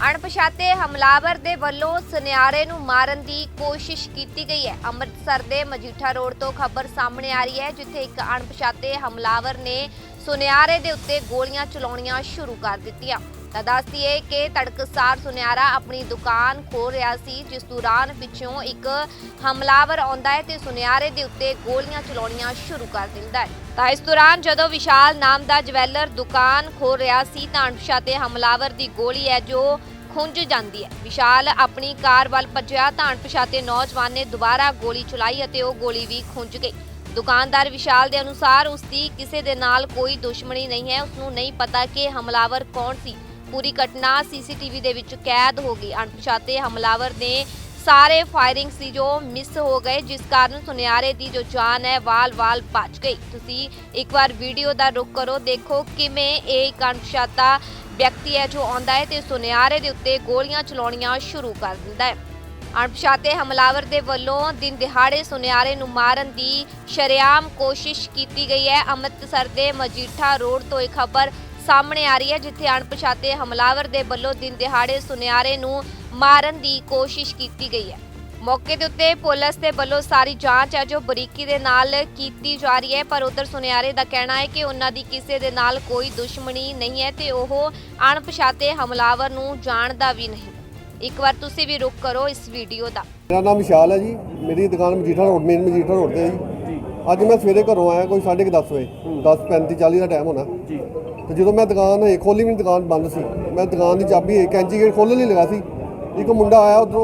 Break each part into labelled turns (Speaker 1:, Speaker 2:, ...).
Speaker 1: अणपछाते हमलावर दे वल्लों सुनियारे नूं मारन दी कोशिश की गई है। अमृतसर दे मजीठा रोड तो खबर सामने आ रही है, जिथे एक अणपछाते हमलावर ने सुनियारे दे उत्ते गोलियां चलाउणियां शुरू कर दित्तियां। ਤਾਂ ਦੱਸਦੀ ਹੈ कि तड़कसार सुनियारा अपनी दुकान खोल रहा सी, जिस दौरान पिछों एक हमलावर आउंदा है ते सुनियारे दे उत्ते गोलियां चलाउणियां शुरू कर दिंदा है। ਤਾਂ इस दौरान जदों विशाल नाम दा ज्वैलर दुकान खोल रहा सी तां अणपछाते हमलावर दी गोली है जो खुंज जाती है। विशाल अपनी कार वाल भज्जिया तां अणपछाते नौजवान ने दोबारा गोली चलाई अते ओह गोली भी खुंज गई। दुकानदार विशाल के अनुसार उसकी किसी दे नाल कोई दुश्मनी नहीं है, उसनूं नहीं पता कि हमलावर कौन सी। पूरी घटना सीसीटीवी दे विच कैद हो गई। अणपछाते हमलावर ने सारे फायरिंग सी जो मिस हो गए, जिस कारण सुनियारे दी जो जान है वाल वाल बच गई। तुसी एक बार वीडियो दा रुख करो, देखो किवें एक अणपछाता व्यक्ति है जो आउंदा है ते सुनियारे दे उत्ते गोलियां चलाउणियां शुरू कर दिंदा है। अणपछाते हमलावर दे वल्लों दिन दिहाड़े सुनियारे नूं मारन दी शरेआम कोशिश की गई है। अमृतसर दे मजीठा रोड तो एक खबर सामने आ रही है, जिथे अणपछाते हमलावर दे वल्लों दिन दिहाड़े सुनियारे नूं मारन दी कोशिश की गई है। मौके दे उत्ते पुलिस दे वल्लों सारी जांच है जो बरीकी दे नाल कीती जा रही है, पर उधर सुनियारे दा कहना है कि उन्हां दी किसी दे नाल कोई दुश्मनी नहीं है ते ओह अणपछाते हमलावर नूं जाणदा भी नहीं। एक बार तुसी भी रुख करो इस वीडियो दा।
Speaker 2: मेरा नाम विशाल है जी, मेरी दुकान Majitha road main Majitha road ते जी। ਅੱਜ मैं सवेरे घरों आया कोई 10:30 ਵਜੇ 10:35-40 ਦਾ ਟਾਈਮ ਹੋਣਾ ਜੀ। ਤੇ ਜਦੋਂ ਮੈਂ ਦੁਕਾਨ ਖੋਲੀ ਵੀ ਦੁਕਾਨ ਬੰਦ ਸੀ, ਮੈਂ ਦੁਕਾਨ ਦੀ ਚਾਬੀ ਕੈਂਚੀ ਗੇਟ ਖੋਲ੍ਹਣ ਲਈ ਲਗਾ ਸੀ। ਇੱਕ ਮੁੰਡਾ ਆਇਆ ਉਧਰੋਂ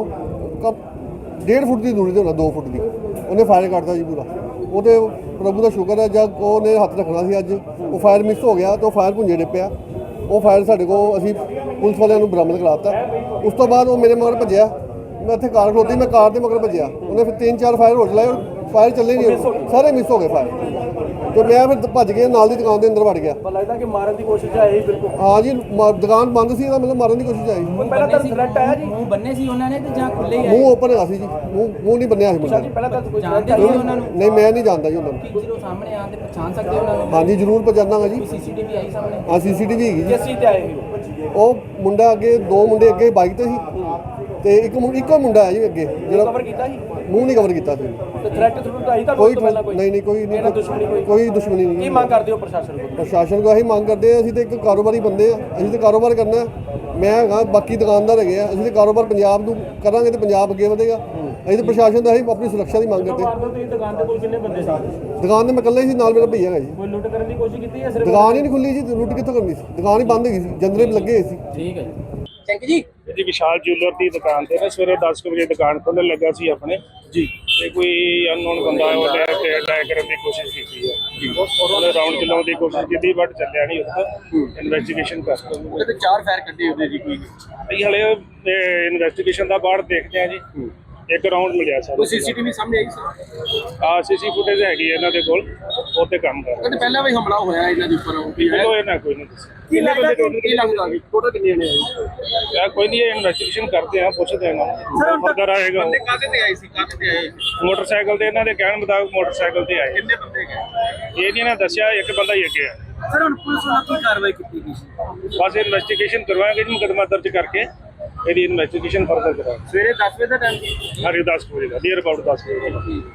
Speaker 2: 1.5 ਫੁੱਟ ਦੀ ਦੂਰੀ ਤੇ ਹੋਣਾ 2 ਫੁੱਟ ਦੀ, ਉਹਨੇ ਫਾਇਰ ਕੱਢਤਾ ਜੀ ਪੂਰਾ। ਉਹਦੇ ਪ੍ਰਭੂ ਦਾ ਸ਼ੁਕਰ ਹੈ ਜਦ ਉਹਨੇ ਹੱਥ ਰੱਖਣਾ ਸੀ ਅੱਜ ਉਹ ਫਾਇਰ ਮਿਸ ਹੋ ਗਿਆ ਤੇ ਉਹ ਫਾਇਰ ਭੁੰਜੇ ਡਿੱਪਿਆ। ਉਹ ਫਾਇਰ ਸਾਡੇ ਕੋਲ ਅਸੀਂ ਪੁਲਿਸ ਵਾਲਿਆਂ ਨੂੰ ਬਰਾਮਦ ਕਰਾਤਾ। ਉਸ ਤੋਂ ਬਾਅਦ ਉਹ ਮੇਰੇ ਮਗਰ ਭੱਜਿਆ, मैं ਇੱਥੇ ਕਾਰ ਖਲੋਤੀ, मैं ਕਾਰ ਦੇ ਮਗਰ ਭੱਜਿਆ। ਉਹਨੇ ਫਿਰ 3-4 ਫਾਇਰ ਹੋਰ ਚਲਾਏ, ਫਾਇਰ ਚੱਲੇ ਨਹੀਂ, ਸਾਰੇ ਮਿਸ ਹੋ ਗਏ ਫਾਇਰ। ਤੇ ਮੈਂ ਫਿਰ ਭੱਜ ਕੇ ਨਾਲ ਦੀ ਦੁਕਾਨ ਦੇ ਅੰਦਰ ਵੜ ਗਿਆ।
Speaker 3: ਲੱਗਦਾ ਕਿ ਮਾਰਨ ਦੀ ਕੋਸ਼ਿਸ਼ ਆਈ ਬਿਲਕੁਲ।
Speaker 2: ਹਾਂ ਜੀ, ਦੁਕਾਨ ਬੰਦ ਸੀ, ਇਹਦਾ ਮਤਲਬ ਮਾਰਨ ਦੀ ਕੋਸ਼ਿਸ਼ ਆਈ।
Speaker 3: ਪਹਿਲਾਂ ਤਾਂ ਥ੍ਰੈਟ ਆਇਆ ਜੀ,
Speaker 4: ਮੂੰਹ ਬੰਨੇ ਸੀ ਉਹਨਾਂ ਨੇ ਤੇ ਜਾਂ ਖੁੱਲੇ ਹੀ ਆਏ?
Speaker 2: ਮੂੰਹ ਓਪਨ ਹੈਗਾ ਸੀ ਜੀ, ਮੂੰਹ ਨਹੀਂ ਬੰਨਿਆ ਸੀ ਮੁੰਡਾ।
Speaker 3: ਪਹਿਲਾਂ ਤਾਂ ਕੋਈ
Speaker 4: ਜਾਣਦੇ ਸੀ ਉਹਨਾਂ ਨੂੰ?
Speaker 2: ਨਹੀਂ, ਮੈਂ ਨਹੀਂ ਜਾਣਦਾ ਜੀ ਉਹਨਾਂ ਨੂੰ।
Speaker 4: ਕਿ ਜਦੋਂ ਸਾਹਮਣੇ ਆਉਣ ਤੇ ਪਛਾਣ ਸਕਦੇ ਉਹਨਾਂ ਨੂੰ?
Speaker 2: ਹਾਂਜੀ ਜ਼ਰੂਰ ਪਛਾਣਾਂਗਾ ਜੀ।
Speaker 4: ਸੀਸੀਟੀਵੀ ਆਈ ਸਾਹਮਣੇ?
Speaker 2: ਹਾਂ ਸੀਸੀਟੀਵੀ ਹੈਗੀ ਜੀ।
Speaker 3: ਕਿਸ ਚੀਜ਼ ਤੇ ਆਏ ਸੀ
Speaker 2: ਉਹ ਮੁੰਡਾ ਅੱਗੇ, 2 ਮੁੰਡੇ ਅੱਗੇ ਬਾਈਕ ਤੇ ਸੀ ਤੇ ਇੱਕੋ ਮੁੰਡਾ ਹੈ ਜੀ ਅੱਗੇ ਜਿਹੜਾ
Speaker 3: ਕਵਰ ਕੀਤਾ ਸੀ?
Speaker 2: ਮੂੰਹ ਨਹੀਂ ਕਵਰ ਕੀਤਾ ਸੀ।
Speaker 3: ਤੇ ਥ੍ਰੈਟ ਥਰੂ ਆਈ ਤਾਂ
Speaker 2: ਕੋਈ
Speaker 3: ਪਹਿਲਾਂ
Speaker 2: ਨਹੀਂ ਕੋਈ ਨਹੀਂ, ਕੋਈ ਦੁਸ਼ਮਣੀ
Speaker 3: ਕੀ
Speaker 2: ਨਹੀਂ।
Speaker 3: ਮੰਗ ਕਰਦੇ ਹੋ ਪ੍ਰਸ਼ਾਸਨ ਕੋਲ?
Speaker 2: ਪ੍ਰਸ਼ਾਸਨ ਕੋਲ ਅਸੀਂ ਮੰਗ ਕਰਦੇ ਹਾਂ, ਅਸੀਂ ਤਾਂ ਇੱਕ ਕਾਰੋਬਾਰੀ ਬੰਦੇ ਆ, ਅਸੀਂ ਤਾਂ ਕਾਰੋਬਾਰ ਕਰਨਾ। ਮੈਂ ਹੈਗਾ, ਬਾਕੀ ਦੁਕਾਨਦਾਰ ਹੈਗੇ ਆ, ਅਸੀਂ ਤਾਂ ਕਾਰੋਬਾਰ ਪੰਜਾਬ ਨੂੰ ਕਰਾਂਗੇ ਤੇ ਪੰਜਾਬ ਅੱਗੇ ਵਧੇਗਾ। ਅਸੀਂ ਤਾਂ ਪ੍ਰਸ਼ਾਸਨ ਦਾ ਅਸੀਂ ਆਪਣੀ ਸੁਰੱਖਿਆ ਦੀ ਮੰਗ ਕਰਦੇ ਹਾਂ।
Speaker 3: ਤੁਸੀਂ ਦੁਕਾਨ ਦੇ ਕੋਲ ਕਿੰਨੇ ਬੰਦੇ ਸੀ?
Speaker 2: ਦੁਕਾਨ ਤੇ ਮੈਂ ਇਕੱਲਾ ਹੀ ਸੀ, ਨਾਲ ਮੇਰਾ ਭਈਆ ਹੈਗਾ ਜੀ।
Speaker 3: ਕੋਈ ਲੁੱਟ ਕਰਨ ਦੀ ਕੋਸ਼ਿਸ਼ ਕੀਤੀ ਜਾਂ ਸਿਰਫ
Speaker 2: ਦੁਕਾਨ ਹੀ ਨਹੀਂ ਖੁੱਲੀ ਜੀ, ਲੁੱਟ ਕਿੱਥੋਂ ਕਰਨੀ ਸੀ? ਦੁਕਾਨ ਹੀ ਬੰਦ ਹੈਗੀ ਸੀ, ਜੰਦਰੇ ਲੱਗੇ ਹੋਏ ਸੀ।
Speaker 4: ਠੀਕ ਹੈ ਜੀ। ਥੈਂਕ ਯੂ
Speaker 5: ਜੀ ਵਿਸ਼ਾਲ ਜੁਐਲਰ ਦੀ ਦੁਕਾਨ ਤੇ ਨਾ ਸਵੇਰੇ 10 ਵਜੇ ਦੁਕਾਨ ਖੋਲ੍ਹਣ ਲੱਗਾ ਸੀ ਆਪਣੇ ਜੀ, ਤੇ ਕੋਈ ਅਨਨੋਨ ਬੰਦਾ ਉਹ ਲੈ ਕੇ ਅਟੈਕ ਕਰਨ ਦੀ ਕੋਸ਼ਿਸ਼ ਕੀਤੀ ਹੈ ਜੀ। ਉਹਨੇ ਰਾਉਂਡ ਚਲਾਉਣ ਦੀ ਕੋਸ਼ਿਸ਼ ਕੀਤੀ ਬਟ ਚੱਲਿਆ ਨਹੀਂ। ਉੱਥੇ ਇਨਵੈਸਟੀਗੇਸ਼ਨ ਕਰ ਰਹੇ
Speaker 4: ਤੇ 4 ਫਾਇਰ ਕੱਢੇ ਉਹਦੇ ਜੀ ਕੋਈ?
Speaker 5: ਹਲੇ ਇਨਵੈਸਟੀਗੇਸ਼ਨ ਦਾ ਬਾਅਦ ਦੇਖਦੇ ਆ ਜੀ। ਇੱਕ ਰਾਉਂਡ ਮਿਲਿਆ ਸਾਨੂੰ।
Speaker 4: ਕੋਈ ਸੀਸੀਟੀਵੀ ਸਾਹਮਣੇ ਆਈ ਸਰ?
Speaker 5: ਆ ਸੀਸੀ ਫੁਟੇਜ ਹੈਗੀ ਇਹਨਾਂ ਦੇ ਕੋਲ, ਉਹ ਤੇ ਕੰਮ ਕਰ ਰਹੇ।
Speaker 4: ਤੇ ਪਹਿਲਾਂ ਵੀ ਹਮਲਾ ਹੋਇਆ ਇਹਨਾਂ ਦੇ ਉੱਪਰ
Speaker 5: ਚਲੋ ਇਹਨਾਂ ਕੋਈ ਨਹੀਂ ਦੱਸਿਆ
Speaker 4: ਕੀ ਲੱਗਦਾ ਕਿ ਟੋਟਲ ਕਿੰਨੇ ਨੇ ਆਏ?
Speaker 5: ਯਾਰ ਕੋਈ ਨਹੀਂ, ਇਹ ਇਨਵੈਸਟੀਗੇਸ਼ਨ ਕਰਦੇ ਆ, ਪੁੱਛਦੇ ਆ ਨਾ ਫਰਦਰ ਆਏਗਾ।
Speaker 4: ਬੰਦੇ ਕਾਹਦੇ ਤੇ ਆਏ ਸੀ, ਕਾਹਦੇ ਤੇ ਆਏ?
Speaker 5: ਮੋਟਰਸਾਈਕਲ ਤੇ, ਇਹਨਾਂ ਦੇ ਕਹਿਣ ਮੁਤਾਬਕ ਮੋਟਰਸਾਈਕਲ ਤੇ ਆਏ।
Speaker 4: ਕਿੰਨੇ ਬੰਦੇ ਗਏ?
Speaker 5: ਇਹ ਨਹੀਂ ਨਾ ਦੱਸਿਆ, ਇੱਕ ਬੰਦਾ ਹੀ ਅੱਗੇ ਆ।
Speaker 4: ਸਰ ਹੁਣ ਪੁਲਿਸ ਵੱਲੋਂ ਕੀ ਕਾਰਵਾਈ ਕੀਤੀ ਗਈ ਸੀ?
Speaker 5: ਬਸ ਇਨਵੈਸਟੀਗੇਸ਼ਨ ਕਰਵਾएंगे जी, मुकदमा दर्ज करके ਇਹਦੀ ਇਨਵੈਸਟੀਗੇਸ਼ਨ ਫਰਦਰ ਕਰਾਂਗੇ।
Speaker 4: ਸਵੇਰੇ 10 ਵਜੇ ਦਾ ਟਾਈਮ ਸੀ?
Speaker 5: ਹਰੀ 10 ਵਜੇ ਦਾ, ਨੀਅਰ ਅਬਾਊਟ 10 ਵਜੇ ਦਾ।